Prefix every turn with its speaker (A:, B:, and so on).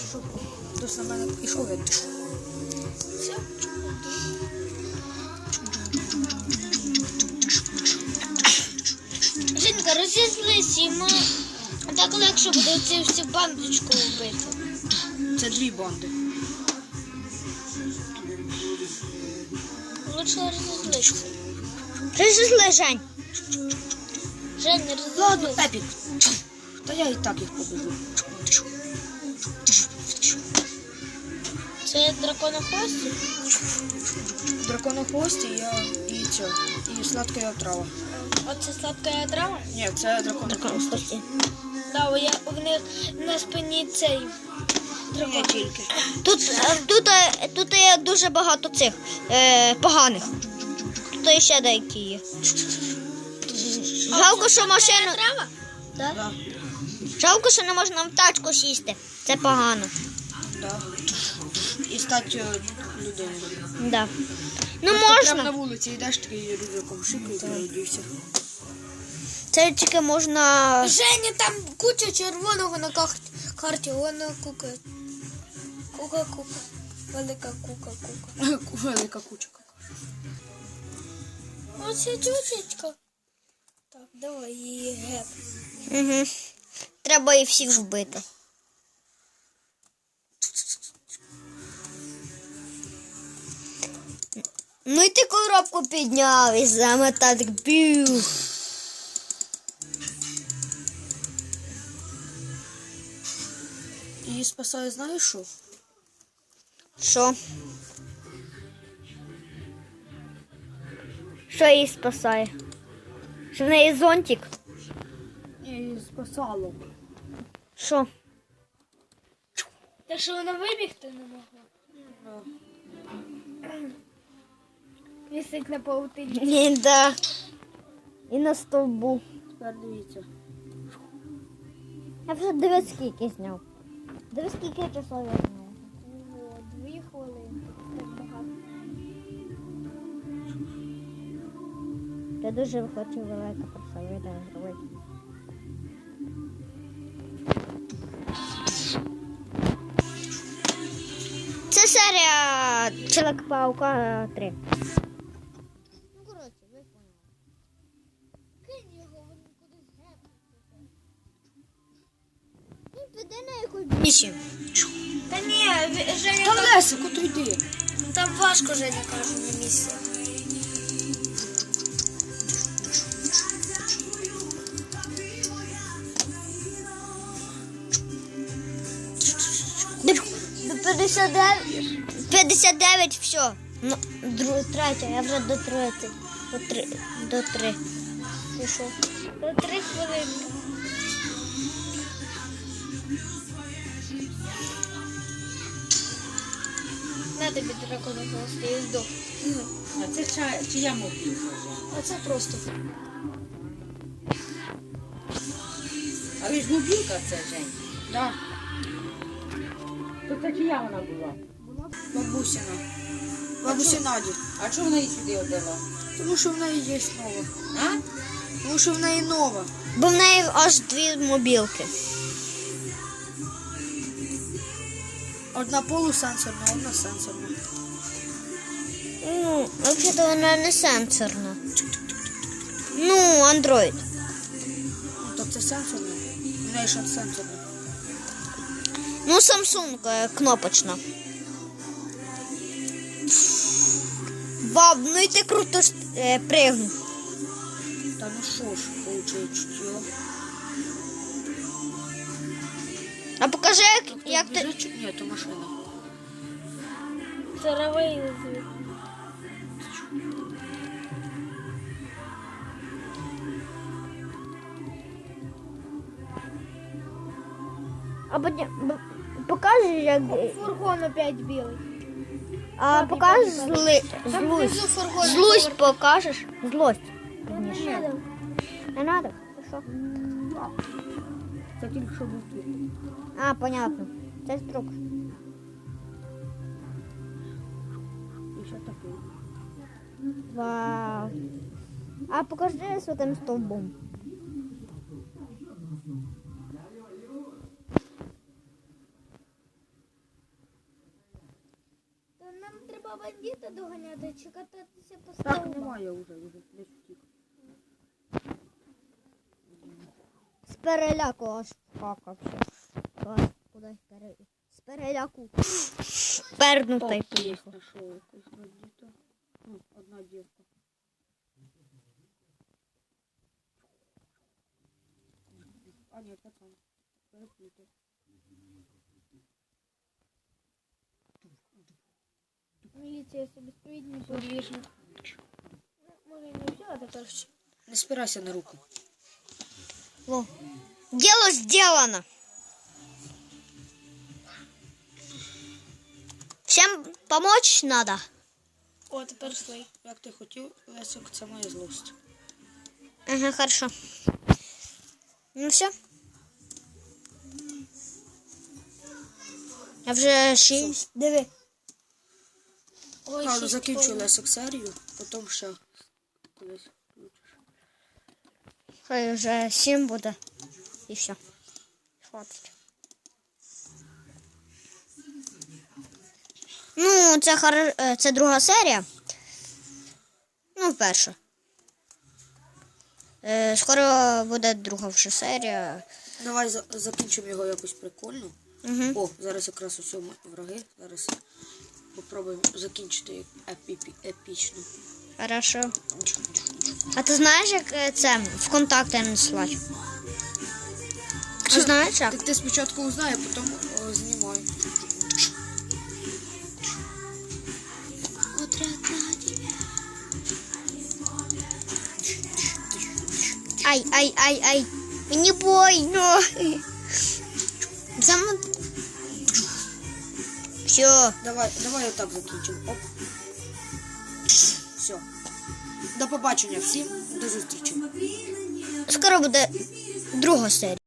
A: щоб хтось на мене пішов, я пішов.
B: Жінка, розізлись, йому так легше буде цю всю бандочку вбити.
A: Це 2 банди.
B: Лучше розізлися.
C: Розізли, Жень.
B: Жень, не розізлись.
A: Ладно, Епік. Та я і так їх побежу.
B: Це драконохвості?
A: Драконохвості і сладка отрава.
B: Оце сладка трава?
A: Ні, це драконохвості.
B: Да, в них на спині цей дракон.
A: Не тільки.
C: Тут є дуже багато цих поганих. Тут ще деякі є. Жалко, що машину...
B: Трава? Да?
A: Да,
C: Жалко, що не можна в тачку сісти. Це погано.
A: да. І стати людиною.
C: Да. Ну
A: Прямо на
C: можна.
A: вулиці йдеш, такий рюкзаком шикають, і все.
C: Це тільки можна...
B: Женя, там куча червоного на карті. Вона кука. Кука. Велика кука.
A: Велика куча.
B: Оце чучечка. Так, давай її геп.
C: Угу. Треба і всіх вбити. Ну і ти коробку підняв і саме так бів.
A: Її спасає, знаєш що?
C: Що? Що її спасає? Що в неї зонтик?
A: Її спасало.
C: Що?
B: Та що вона вибігти не могла? Висить на паутині.
C: Ні, да. І на стовбу.
A: Тепер дивіться.
C: Я вже дивись скільки зняв. Дивись скільки часов я зняв.
B: 2 хвилини. Так багато.
C: Я дуже хочу велике просто відео зробити. Це серія Чоловік-паука 3. Ну, коротше, ви поняли.
B: Кинь його, він кудись гепнути.
C: Він піде на якусь місію.
B: Та ні, Женя,
A: Та Лесику, то йди.
B: там важко, Женя каже, на місці.
C: До 59 все. Ну, третя, я вже до 30. До 3.
B: Пішов. До 3 хвилинки. На тобі драконохвости і здох.
D: А це чия мобілка?
B: А це просто.
D: Але ж мобілка це, Жень.
A: Да,
D: То це чия вона була?
A: бабусина. Бабусі Наді.
D: А чого вона її сюди віддала?
A: Тому що в неї є нова.
D: А?
A: Тому що в неї нова.
C: Бо в неї аж 2 мобілки.
A: Одна полусенсорна, одна сенсорна.
C: Ну, взагалі вона не сенсорна. Ну, Android.
A: Ну, то це сенсорна. В неї ще сенсорна.
C: Ну, Samsung кнопочна. Вау, ну і ти круто пригнув.
A: Та ну що ж, получає чутьо.
C: А покажи, як ти...
A: Ні, то машина.
B: Царовий звук.
C: А потім покажеш, як...
B: Фургон опять білий.
C: А покажеш
B: Там внизу
C: злость.
B: фургон.
C: Злость покажеш? Злость.
B: Не надо.
C: Не надо? Що?
A: Це тільки що був твій.
C: А, понятно. Це трюк.
A: І ще такий.
C: Вау. А покажи з тим стовбом.
B: треба бандита доганяти чи кататися по
D: Так,
B: стовбам?
D: немає вже десь втік.
C: З переляку аж какався. Куди з переляку. Пернутий
D: Є,
C: поїхав.
D: знайшов якусь бандита. Ну, одна дівка. А, ні, пацан. Переплутав.
B: Міліція собі стоїть, не подвіжна. Може і не все, а тепер ще.
A: Не спирайся на руку.
C: Во. Дело сделано. Всем помочь надо.
B: О, тепер слей.
A: Як ти хотів, Лесик, це моя злость.
C: Ага, хорошо. Ну все. Я вже 6. Диви.
B: Ой,
A: Ладно,
B: шість
A: закінчу
B: повних.
A: Лесик серію, потім ще колись включиш.
C: Хай вже 7 буде. І все. Хватить. Ну, це друга серія. Ну, перша. Скоро буде друга вже серія.
A: Давай закінчимо його якось прикольно.
C: Угу.
A: О, зараз якраз усе враги. Зараз попробуємо закінчити епічно.
C: Хорошо. А ти знаєш, як це в контакти надсилати? Ти знаєш як?
A: Так ти спочатку узнай, а потім знімай.
C: Ай. Мені больно. Зам... Все.
A: Давай отак закінчимо. Оп. Все. До побачення всім. До зустрічі.
C: Скоро буде друга серія.